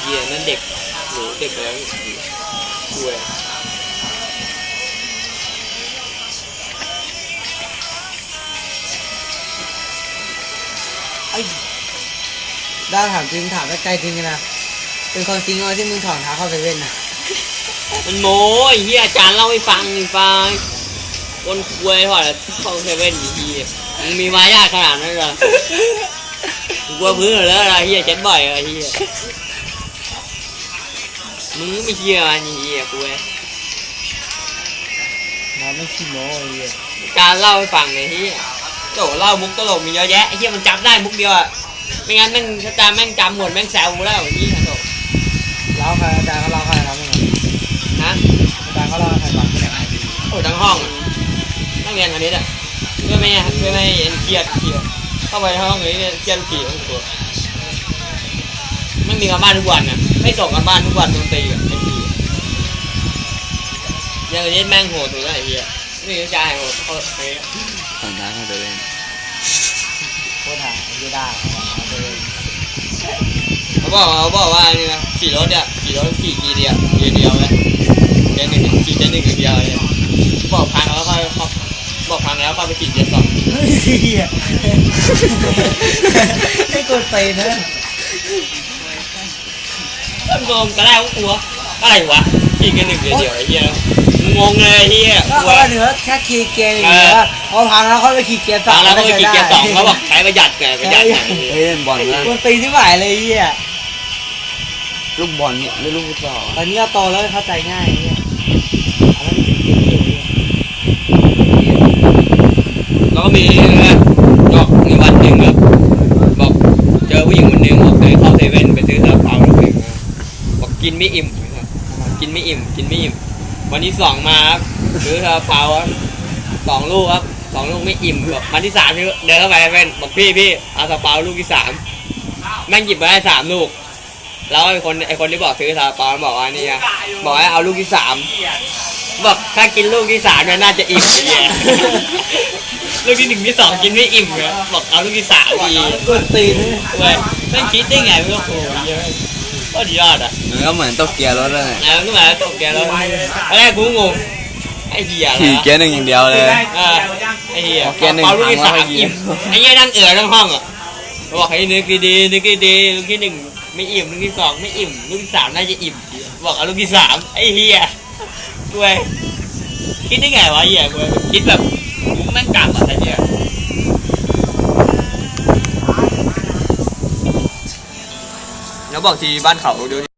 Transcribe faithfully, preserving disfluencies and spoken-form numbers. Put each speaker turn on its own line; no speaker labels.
หี้ยนั่นเด็กหนูเด็กแล้วด้วย
ไอ้ได้ถามจริงถามได้ไกลจริงนะเป็นคนจริงเลยที่มึงถอนเท้าเข้าเซเว่นนะ
มันโม้ไอ้เหี้ยอาจารย์เล่าให้ฟังไอ้ฟังคนคุยถอดเข้าเซเว่นไอ้เหี้ยมึงมีมารยาทขนาดนั้นเหรอกูกลัวพื้นเลยอะไรเหี้ยเช็ดบ่อยไอ้เหี้ยมึงไม่เชื่อมันไอ้เหี้ยกูเว้ย
มันไม่ขี้โม้ไอ้เหี้ย
การเล่าให้ฟังไอ้เหี้ยโจ้เล่ามุกตลกมีเยอะแยะไอ้เหี้ยมันจำได้มุกเดียวอะไม่งั้นแม่งถ้าจำแม่งจำหมดแม่งแซวกูแล้วไอ้เหี้ยโจ้
เล่าใครอาจารย์เขาเล่าใครเล่าไม่เหมือน
ฮะ
อาจารย์เขาเล่าใครฟังไม่ได้
โอ้ทั้งห้องนั่งเรียนอันนี้อ่ะเพื่อไม่เพื่อไม่เอ็นเครียดเครียดเข้าไปห้องนี้เครียดขี่ทั้งตัวไม่มีการบ้านทุกวันนะไม่ส่งการบ้านทุกวันดนตรีอ่ะไอ้ขี่ยังเล่นแม่งโหดตัวไอ้เหี้ยไม่มีใจโหดเขาเฮ้ย
ถอนเท้าเข้าเซเว่น
โคตรหาไม่ได้
เขาบอกเขาบอกว่านี่นะขี่รถเนี่ยขี่รถขี่กี่เดียวกี่เดียวเลยเดียวหนึ่งขี่เดียวหนึ่งเดียวเลยบอกพังแล้วค่อยบอกพังแล้วค่อยไปขี่เดียวสอง
ให้กดไปนะ
งงก็ได้ก็กลัวอะไรวะขี่กันหนึ่งเดียวไอ้เหี้ยงงเลยเหี้ย
ก็ว่าเนื้อแค่ขี่เกียร์อย่างเงี้ยพอพังแล้วเขาไปขี่เกียร์สอง
แล้วก็ไปขี่เกียร์สองเขาบอกใช้ประหยัดไงประหยัด
เฮ้ยบอลนะ
คนตีที่หมายเลยเหี้ย
ลูกบอลเนี่ยหรือลูกฟุตบอล
ตอนนี้เราโตแล้วเข้าใจง่ายเนี่ย
แล้วก็มีนะบอกมีวันหนึ่งครับบอกเจอผู้หญิงคนหนึ่งบอกเดินเข้าเซเว่นไปซื้อซาลาเปาลูกหนึ่งบอกกินไม่อิ่มกินไม่อิ่มกินไม่อิ่มวันที่สองมาครับซื้อซาลาเปาสองลูกครับสองลูกไม่อิ่มบอกวันที่สามเดินเข้าไปเซเว่นบอกพี่พี่เอาซาลาเปาลูกที่สามแม่งหยิบมาได้สามลูกแล้วไอ้คนไอ้คนที่บอกซื้อซาลาเปาบอกว่านี่ไงบอกให้เอาลูกที่สามบอกถ้ากินลูกที่สามเนี่ยน่าจะอิ่มเนี่ยลูกที่หนึ่งที่สองกินไม่อิ่มเลยบอกเอาลูกที่สามดี
กดตีน
เว้ยไม่คิดได้ไงไม่รู้โอ้ยเยอะก็ยอดอ่ะ
มันก็เหมือนตกเกียร์รถเลย
แล้วก็มาตกเกียร์รถอะไรกูงงไอ้เหี้ย
ขี่เกียร์หนึ่งอย่างเดียวเลย
ไอ้เหี้ยเอาลูกที่สามอิ่มไอ้เหี้ยนั่งเอือทั้งห้องอ่ะบอกให้นึกดีๆนึกดีๆลูกที่หนึ่งไม่อิ่มลูกที่สองไม่อิ่มลูกที่สามน่าจะอิ่มบอกเอาลูกที่สามไอ้เหี้ยกูคิดได้ไงวะเหี้ยกูคิดแบบแม่งกลับอ่ะไอ้เหี้ยแล้วบอกทีบ้านเขาดู